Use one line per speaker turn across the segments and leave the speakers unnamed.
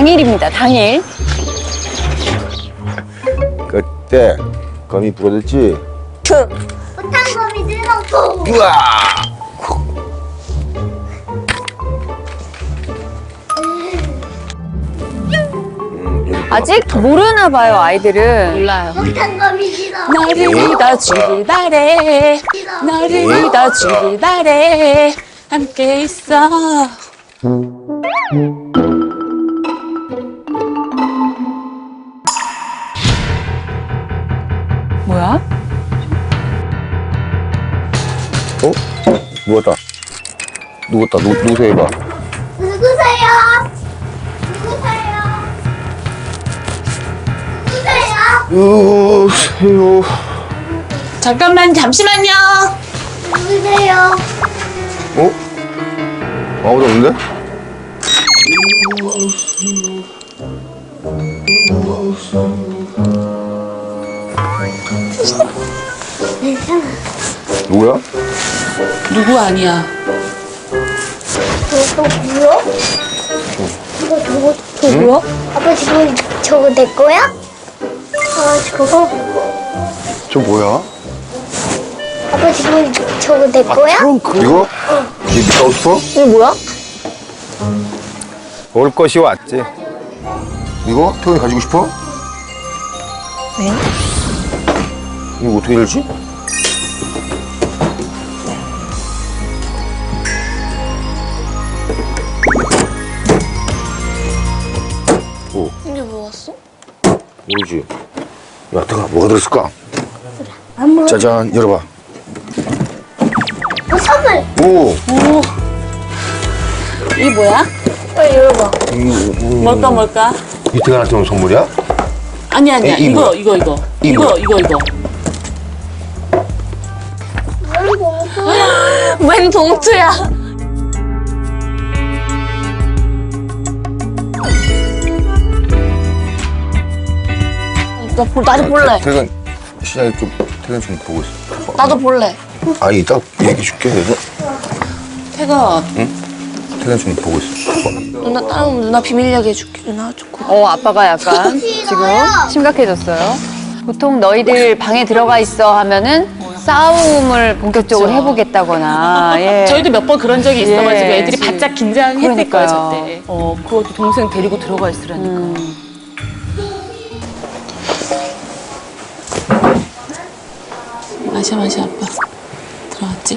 당일입니다, 당일.
그때 거미 부러졌지?
못한 거미 들어고.
우와!
아직 모르나 봐요, 아이들은.
몰라요.
못한 거미 들어.
너를 믿어주길 바래. 너를 믿어주길 바래. 함께 있어.
뭐야?
어? 누웠다. 누구세요, 이봐.
누구세요? 누구세요? 누구세요?
누구세요?
잠깐만, 잠시만요.
누구세요?
어? 아무도 없는데? 누구야?
누구 아니야.
또 뭐야? 이거 뭐야? 아빠 지금 저거 내 거야? 아 저거?
저 뭐야?
아빠 지금 저거 내 거야?
이거? 니 가고 싶어?
이게 뭐야?
올 것이 왔지. 이거? 태훈이 가지고 싶어?
왜?
이거 어떻게 열지? 오,
이게 뭐였어?
모르지. 야, 태훈아, 뭐가 들었을까?
안 먹어.
짜잔, 열어봐.
선물.
오!
이게 뭐야?
빨리 열어봐.
뭘까?
이태근한테 온 선물이야?
아니야.
에이,
이거.
이거
이거. 웬 봉투야? 나도 볼래.
태근, 시장에 좀, 태근 좀 보고 있어.
나도 볼래.
아니, 이따 얘기해 줄게.
태가
태근 좀 보고 있어.
누나 다음 누나 비밀 이야기 해줄게. 누나 좋고.
아빠가 약간 지금 심각해졌어요. 보통 너희들 방에 들어가 있어 하면은 싸움을 본격적으로
그쵸.
해보겠다거나. 예.
저희도 몇 번 그런 적이 있어가지고
예.
애들이 바짝 긴장했을 거예요, 저
그러니까요.
때.
그것도 동생 데리고 들어가 있으라니까.
마셔, 아빠. 들어왔지?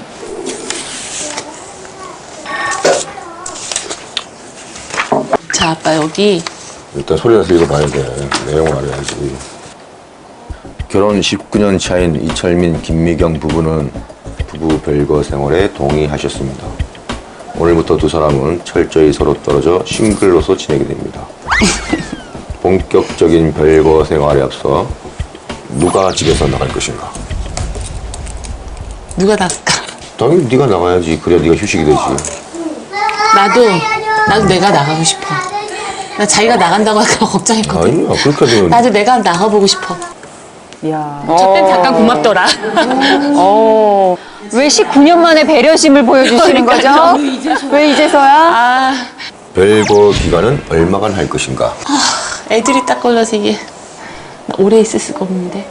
자, 아빠 여기.
일단 소리 나서 읽어봐야 돼. 내용을 알아야지. 결혼 19년 차인 이철민, 김미경 부부는 부부 별거 생활에 동의하셨습니다. 오늘부터 두 사람은 철저히 서로 떨어져 싱글로서 지내게 됩니다. 본격적인 별거 생활에 앞서 누가 집에서 나갈 것인가?
누가 나갈까?
당연히 네가 나가야지. 그래야 네가 휴식이 되지.
나도 내가 나가고 싶어. 나 자기가 나간다고 할까 걱정했거든.
아니야. 그렇게 되면
나도 내가 나가보고 싶어.
이야.
저땐 잠깐 고맙더라.
왜 19년 만에 배려심을 보여주시는 거죠? 왜 이제서야?
아,
별거 기간은 얼마간 할 것인가?
애들이 딱 걸려서 이게 나 오래 있을 수가 없는데.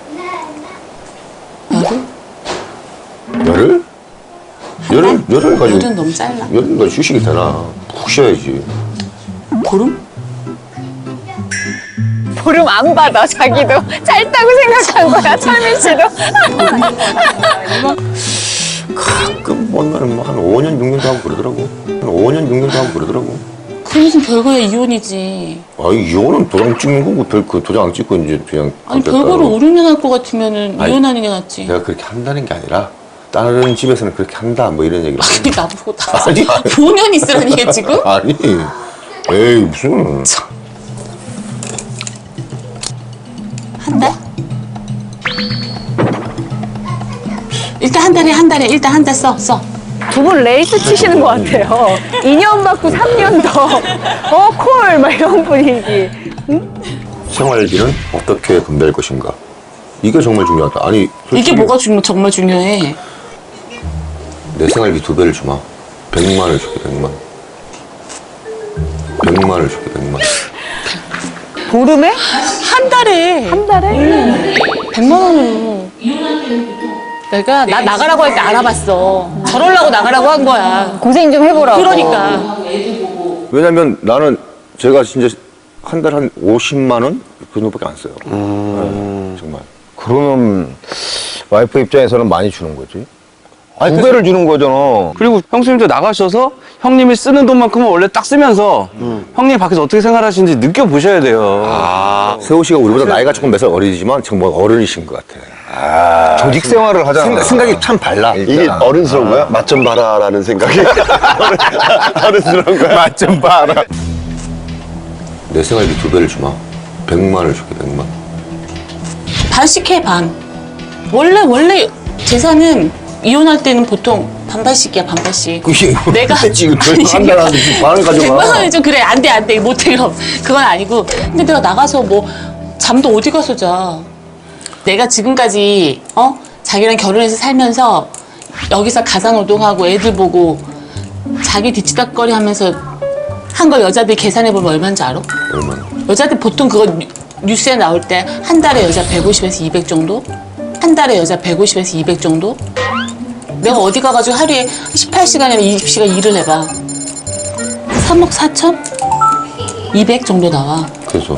열흘?
열흘 가지고
열은 너무 짧나?
열흘 가지고 휴식이 되나? 푹 쉬어야지.
보름?
보름 안 받아, 자기도. 짧다고 생각한 거야, 철민 씨도.
가끔 보면은 한 5년, 6년도 하고 그러더라고. 한 5년, 6년도 하고 그러더라고.
그 무슨 별거야, 이혼이지.
아이, 이거는 도장 찍는 거고, 그 도장 안 찍고 이제 그냥.
아니,
됐다.
별거를 5, 6년 할 것 같으면은
아니,
이혼하는 게 낫지.
내가 그렇게 한다는 게 아니라, 다른 집에서는 그렇게 한다, 뭐 이런 얘기를.
아니, 나보고 다.
아니,
5년 있으라는 얘기 지금?
아니. 에이, 무슨.
한 달? 일단 한 달에 일단 한 달 써.
두 분 레이스 치시는 것 같아요. 2년 받고 3년 더. 콜! 막 이런 분위기.
생활비는 어떻게 분배할 것인가? 이게 정말 중요하다. 아니, 솔직히
이게 뭐가 정말 중요해.
내 생활비 2배를 주마. 100만 원을 줄게, 100만. 100만 원을 줄게, 100만.
보름에?
한 달에.
한 달에?
100만 원으로. 내가 나 나가라고 할 때 알아봤어. 저러려고 나가라고 한 거야.
고생 좀 해보라고.
그러니까.
왜냐면 나는 제가 진짜 한 달 한 50만 원? 그 정도밖에 안 써요. 네, 정말.
그러면 와이프 입장에서는 많이 주는 거지.
아니,
두 배를 주는 거잖아.
그리고 형수님도 나가셔서 형님이 쓰는 돈만큼은 원래 딱 쓰면서 형님이 밖에서 어떻게 생활하시는지 느껴보셔야 돼요.
세호 씨가 우리보다 나이가 조금 몇 살 어리지만 정말 어른이신 것 같아.
조직 생활을 하잖아.
생각이 참 달라.
이게 어른스러운 거야? 맛 좀 봐라라는 생각이 어른스러운 거야?
맛 좀 봐라.
내 생활비 2배를 주마. 100만을 줄게, 100만.
반씩 해, 반. 원래 재산은 이혼할 때는 보통 반반씩이야, 반반씩.
그게
내가
지금 한달 안에 반을
100만
가져가.
원이 좀 그래, 안 돼, 못해, 그럼. 그건 아니고. 근데 내가 나가서 뭐, 잠도 어디 가서 자. 내가 지금까지, 자기랑 결혼해서 살면서 여기서 가사노동하고 애들 보고 자기 뒤치다거리 하면서 한 걸 여자들이 계산해보면 얼마인지 알아?
얼마나?
여자들 보통 그거 뉴스에 나올 때 한 달에 여자 150에서 200 정도? 한 달에 여자 150에서 200 정도? 내가 어디 가가지고 하루에 18시간이나 20시간 일을 해봐. 3억 4천? 200 정도 나와.
그래서.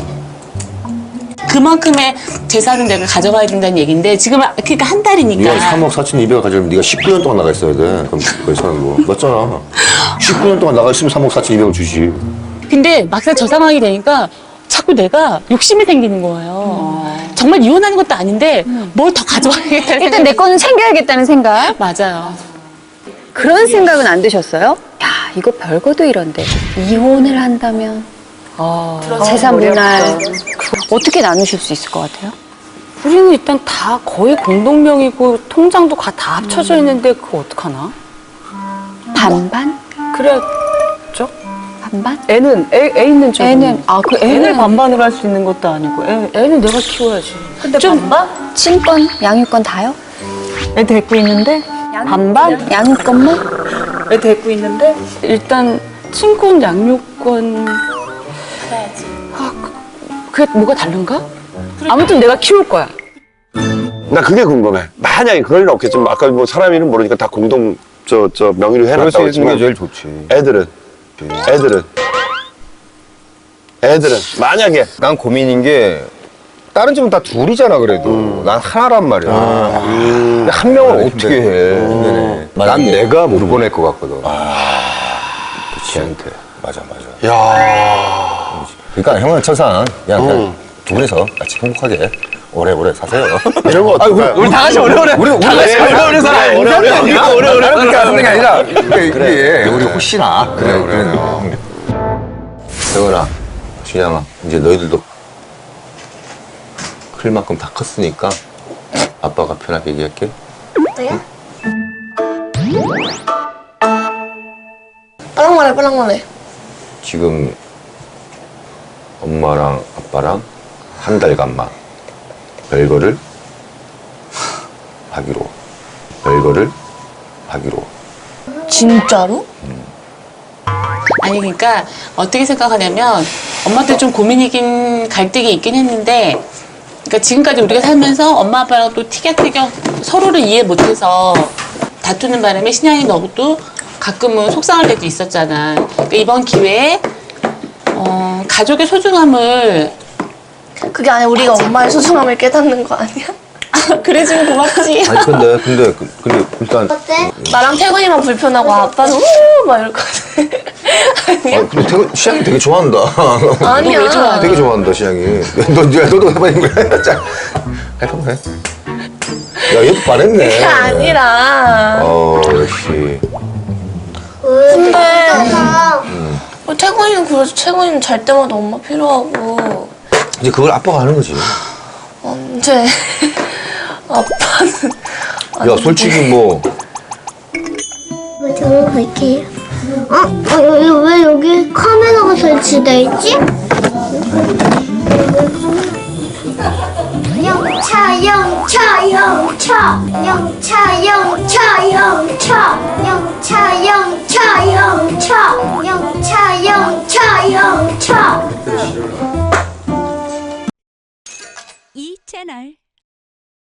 그만큼의 재산은 내가 가져가야 된다는 얘기인데 지금 그러니까 한 달이니까.
네가 3억 4,200을 가지려면 네가 19년 동안 나가 있어야 돼. 그럼 그 사람으로. 맞잖아. 19년 동안 나가 있으면 3억 4,200을 주지.
근데 막상 저 상황이 되니까 자꾸 내가 욕심이 생기는 거예요. 정말 이혼하는 것도 아닌데 뭘 더 가져와야겠다는
일단 내 거는 챙겨야겠다는 생각?
맞아요.
그런 생각은 안 드셨어요? 야, 이거 별거도 이런데. 이혼을 한다면. 재산 분할. 어떻게 나누실 수 있을 것 같아요?
우리는 일단 다 거의 공동명의고 통장도 다 합쳐져 있는데 그거 어떡하나?
반반?
그래야죠.
반반?
애는 애 있는 쪽은
애는,
애를 반반으로 할 수 있는 것도 아니고 애는 내가 키워야지.
근데 반반? 친권, 양육권 다요?
애 데리고 있는데 반반?
양육권만?
애 데리고 있는데 일단 친권 양육권 해야지. 그게 뭐가 다른가? 아무튼 내가 키울 거야.
나 그게 궁금해. 만약에 그럴 일 없겠지만 아까 뭐 사람 이름 모르니까 다 공동 명의로
그럴 수
해놨다고
있는 게
했지만
제일 좋지.
애들은 만약에
난 고민인 게 다른 집은 다 둘이잖아 그래도. 난 하나란 말이야. 근데 한 명을 어떻게 해. 난 내가 못 보낼 것 같거든.
지한테. 맞아.
야
그러니까 형은 천상. 그냥 두 분이서 같이 행복하게 오래오래 사세요.
이런 거 어떨까?
우리 다 같이 오래오래. 다 같이 오래오래 살아.
오래오래
그런 게 아니라
그래, 우리 혹시나. 그래. 세원아, 준양아, 이제 너희들도 클 만큼 다 컸으니까 아빠가 편하게 얘기할게.
왜요? 빨랑 말해.
지금 엄마랑 아빠랑 한 달간만 별거를 하기로.
진짜로?
아니 그러니까 어떻게 생각하냐면 엄마한테 좀 고민이긴 갈등이 있긴 했는데 그러니까 지금까지 우리가 살면서 엄마 아빠랑 또 티격태격 서로를 이해 못해서 다투는 바람에 신양이 너도 가끔은 속상할 때도 있었잖아. 그러니까 이번 기회에 가족의 소중함을
그게 아니라 우리가 엄마의 소중함을 깨닫는 거 아니야?
그래주면 고맙지.
아니 근데 일단
어때? 나랑 태건이만 불편하고 아빠는 막 이럴 것 같아. 아니야?
근데 시향이 되게 좋아한다.
아니야.
왜 좋아해?
되게 좋아한다 시향이. 너도 해봐야 거야. 자, 해봐. 야 얘도 반했네.
그게 아니라.
역시.
근데 태건이는 그래서 태건이는 잘 때마다 엄마 필요하고
이제 그걸 아빠가 하는 거지.
언제 아빠는
야 솔직히 뭐
저로 갈게요. 왜 여기 카메라가 설치돼 있지? 영차
채널